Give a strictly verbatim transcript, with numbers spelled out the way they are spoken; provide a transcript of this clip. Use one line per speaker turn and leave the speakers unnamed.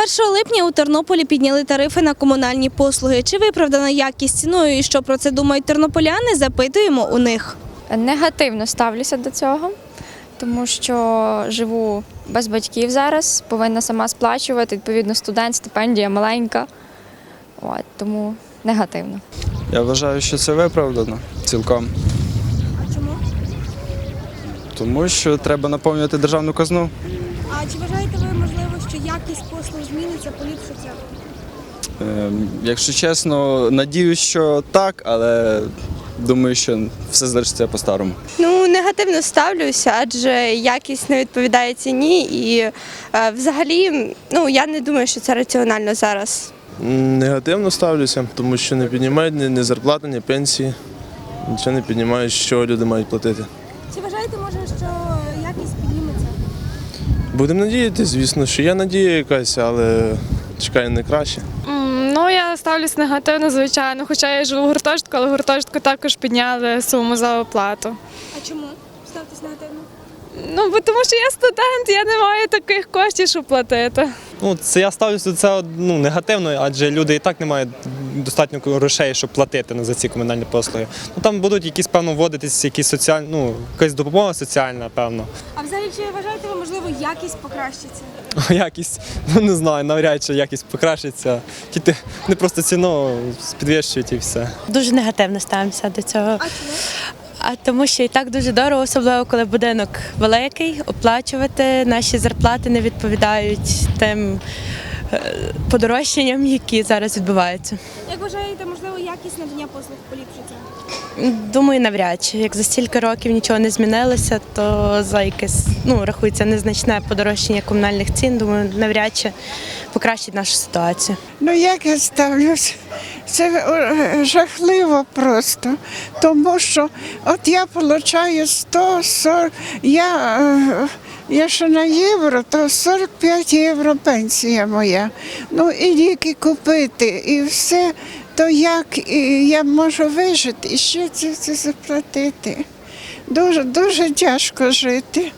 першого липня у Тернополі підняли тарифи на комунальні послуги. Чи виправдана якість ціною і що про це думають тернополяни, запитуємо у них.
Негативно ставлюся до цього, тому що живу без батьків зараз, повинна сама сплачувати, відповідно, студент, стипендія маленька, от, тому негативно.
Я вважаю, що це виправдано цілком.
А чому?
Тому що треба наповнювати державну казну.
А чи вважаєте ви, можливо, що якість послуг зміниться, поліпшиться?
Ем, Якщо чесно, надіюсь, що так, але думаю, що все залишиться по-старому.
Ну, негативно ставлюся, адже якість не відповідає ціні і е, взагалі, ну, я не думаю, що це раціонально зараз.
Негативно ставлюся, тому що не піднімають ні, ні зарплати, ні пенсії, нічого не піднімають, що люди мають платити.
Чи вважаєте, може, що якість підніметься?
Будемо надіятися, звісно, що є надія якась, але чекаю не краще.
Ну, я ставлюсь негативно, звичайно, хоча я живу в гуртожитку, але в гуртожитку також підняли суму за оплату.
А чому? Ставтесь негативно.
Ну, бо тому що я студент, я не маю таких коштів, щоб платити.
Ну, це я ставлюся до цього ну, негативно, адже люди і так не мають достатньо грошей, щоб платити ну, за ці комунальні послуги. Ну, там будуть якісь, певно, вводитись якісь соціальні, ну, якась допомога соціальна, певно.
А взагалі, чи вважаєте ви, можливо, якість покращиться?
Якість, ну не знаю, навряд чи якість покращиться. Тільки не просто ціну підвищують і все.
Дуже негативно ставимося до цього.
А чому?
А тому що і так дуже дорого, особливо коли будинок великий, оплачувати наші зарплати не відповідають тим е, подорожчанням, які зараз відбуваються.
Як вважаєте, можливо, якість надання послуг поліпшиться?
Думаю, навряд чи. Як за стільки років нічого не змінилося, то за якесь, ну, рахується незначне подорожчання комунальних цін, думаю, навряд чи покращить нашу ситуацію.
Ну як я ставлюсь? Це е, жахливо просто, тому що от я отримую сто сорок, я, е, я ще на євро, то сорок п'ять євро пенсія моя. Ну і ліки купити, і все, то як і я можу вижити і ще це, це заплатити. Дуже, дуже тяжко жити.